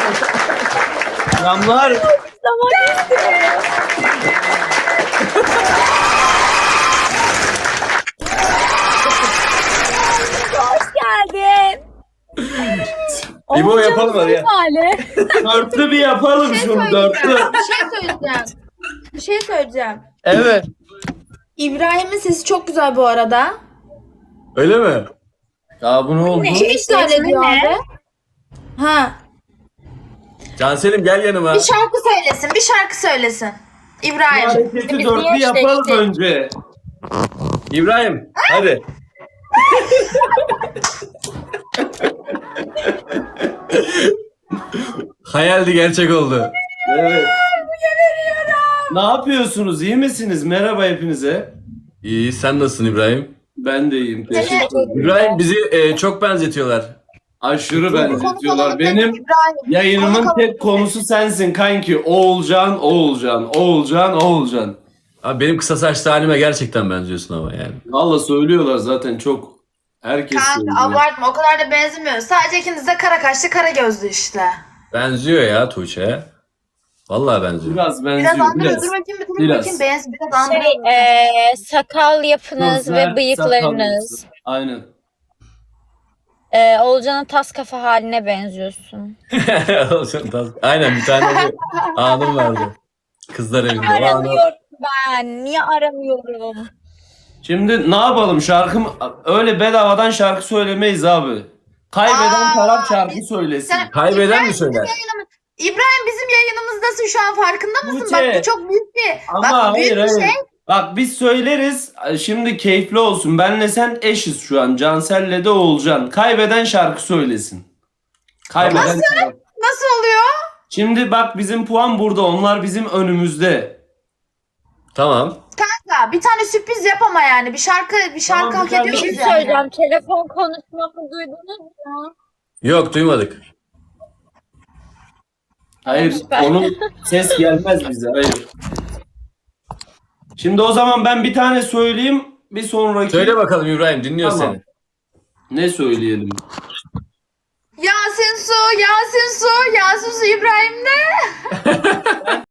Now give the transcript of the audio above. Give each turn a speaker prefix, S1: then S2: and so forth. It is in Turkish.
S1: Selamlar.
S2: Hoş geldin.
S1: İbo yapalım hadi ya.
S2: Hali.
S1: Dörtlü bir yapalım şunu dörtlü.
S3: Bir şey söyleyeceğim.
S1: Evet.
S3: İbrahim'in sesi çok güzel bu arada.
S1: Öyle mi? Ya bu ne oldu?
S3: Kim iptal ediyor abi? Ha.
S1: Canselim gel yanıma.
S3: Bir şarkı söylesin, bir şarkı söylesin.
S1: Bu
S3: İbrahim.
S1: hareketi
S2: Biz
S1: dörtlü
S2: niye
S1: yapalım
S2: eşleştik?
S1: önce. İbrahim hadi. Hayaldi gerçek oldu. Evet. Ne yapıyorsunuz? İyi misiniz? Merhaba hepinize.
S4: İyi, sen nasılsın İbrahim?
S1: Ben de iyiyim. Teşekkür ederim.
S4: İbrahim bizi çok benzetiyorlar.
S1: Aşırı benzetiyorlar.
S3: Konu
S1: Benim
S3: İbrahim.
S1: yayınımın
S3: Konu-
S1: tek konusu sensin kanki. Oğulcan, Oğulcan, Oğulcan, Oğulcan.
S4: Abi benim kısa saçlı halime gerçekten benziyorsun ama yani.
S1: Valla söylüyorlar zaten çok. Herkes
S3: Kanka
S1: söylüyor.
S3: abartma, o kadar da benzemiyor. Sadece ikiniz de kara kaşlı, kara gözlü işte.
S4: Benziyor ya Tuğçe'ye. Vallahi benziyor.
S1: Biraz
S3: Biraz
S1: benziyor.
S3: andırıyor.
S1: Biraz.
S3: Dur bakayım, bir dur
S1: Biraz.
S3: bakayım. Biraz andırıyor.
S2: Sakal yapınız
S1: Gözler,
S2: ve bıyıklarınız.
S1: sakal. Aynen.
S2: Olcan'ın tas kafa haline benziyorsun.
S4: Aynen bir tane bir anım vardı. Kızlar evinde. O anı-
S2: Aramıyorum ben. Niye aramıyorum?
S1: Şimdi ne yapalım? Öyle bedavadan şarkı söylemeyiz abi. Kaybeden
S3: Aa,
S1: taraf şarkı söylesin.
S3: Sen-
S4: Kaybeden
S3: İbrahim
S4: mi söyler?
S3: İbrahim bizim yayınımızdasın şu an, farkında mısın?
S1: Tuğçe.
S3: Bak bu çok büyük bir,
S1: Ama
S3: bak büyük
S1: hayır
S3: bir
S1: hayır.
S3: şey.
S1: Bak biz söyleriz. Şimdi keyifli olsun. Benle sen eşiz şu an. Cansel'le de Oğulcan. Kaybeden şarkı söylesin. Kaybeden taraf.
S3: Nasıl oluyor?
S1: Şimdi bak bizim puan burada. Onlar bizim önümüzde.
S4: Tamam.
S3: Ya bir tane sürpriz yap ama yani. Bir şarkı
S1: Tamam,
S3: hak
S1: bir tane
S2: Bir
S3: ediyoruz
S2: şey
S3: yani.
S2: söyleyeceğim. Telefon konuşmamı duydunuz mu?
S4: Yok duymadık.
S1: Hayır,
S2: Süper.
S1: onun ses gelmez bize. Hayır. Şimdi o zaman ben bir tane söyleyeyim. Bir sonraki
S4: Söyle bakalım İbrahim dinliyoruz
S1: Tamam.
S4: seni.
S1: ne söyleyelim?
S3: Yasin Su, Yasin Su, Yasin Su İbrahim ne?